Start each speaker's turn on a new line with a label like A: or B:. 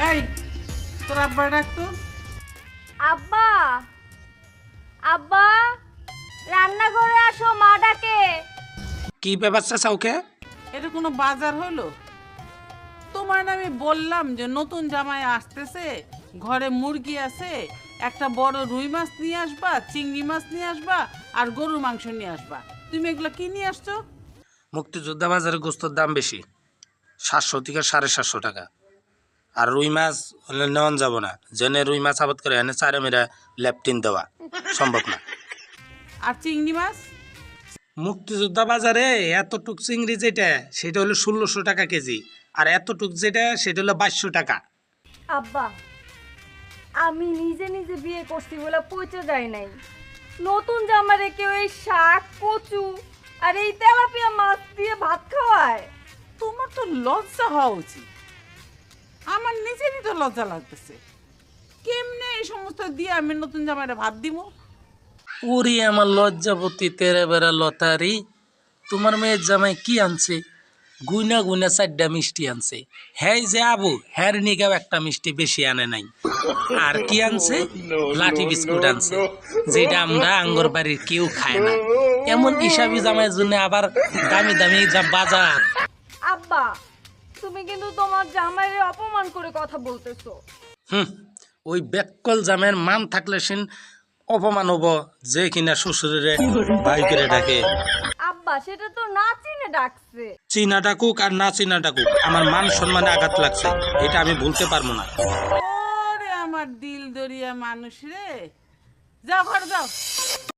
A: এই তোর আব্বা ডাকতো।
B: আব্বা আব্বা রান্নাঘরে আসো, মা ডাকে।
C: কি ব্যাপার চাচা ওকে?
A: এটা কোনো বাজার হলো? তোমার না আমি বললাম যে নতুন জামাই আসতেছে, ঘরে মুরগি আছে, একটা বড় রুই মাছ নিয়ে আসবা, চিংড়ি মাছ নিয়ে আসবা আর গরুর মাংস নিয়ে আসবা। তুমি এগুলো কি নিয়ে আসছো?
C: মুক্তিযোদ্ধা বাজারে গোস্তর দাম বেশি, 700 থেকে 750 টাকা। আর রুই মাছ হলে নেওয়ান যাব না, জেনে রুই মাছ আবাদ করে এনে চারে মেরা ল্যাপটিন দেওয়া সম্ভব না।
A: আর চিংড়ি মাছ?
C: মুক্তিযোদ্ধা বাজারে এতটুক চিংড়ি যেটা সেটা হলো 1600 টাকা কেজি, আর এতটুক যেটা সেটা হলো 2200 টাকা।
B: আব্বা আমি নিজে নিজে বিয়ে করছি বলে পচে যায় নাই। নতুন জামারে কেউ এই শাক কচু আর এই তেলাপিয়া মাছ দিয়ে ভাত খাওয়ায়?
A: তোমার তো লজ্জা হওয়া উচিত। আমার নিজেরই তো লজ্জা লাগতেছে। কেমনে এই সমস্ত দিয়ে আমি নতুন জামাইরা ভাত দিব?
C: ওরে আমার লজ্জাপতি তেরে বেড়া লতারি, তোমার মেয়ের জামাই কি আনছে? গুইনা গুইনা 4টা মিষ্টি আনছে। হ্যাঁ যে আবু হ্যার নিগাও একটা মিষ্টি বেশি আনে নাই। আর কি আনছে? লাঠি বিস্কুট আনছে, যেটা আমরা আঙ্গর বাড়ির কেউ খায় না। এমন হিসাবি জামাইয়ের জন্য আবার দামি দামি যা বাজার।
B: আব্বা তুমি কিন্তু তোমার জামাইরে অপমান করে কথা বলতেছো।
C: ওই বেককল জামাইয়ের মান থাকলে সেন অপমান হব যে কিনা শ্বশুরে ভাই করে ডাকে।
B: আব্বা সেটা তো না চিনে ডাকছে।
C: চীনা ডাকুক আর না চীনা ডাকুক, আমার মান সম্মানে আঘাত লাগছে, এটা আমি ভুলতে পারবো না।
A: ওরে আমার দিল দরিয়া মানুষ রে, যাও ঘরে যাও।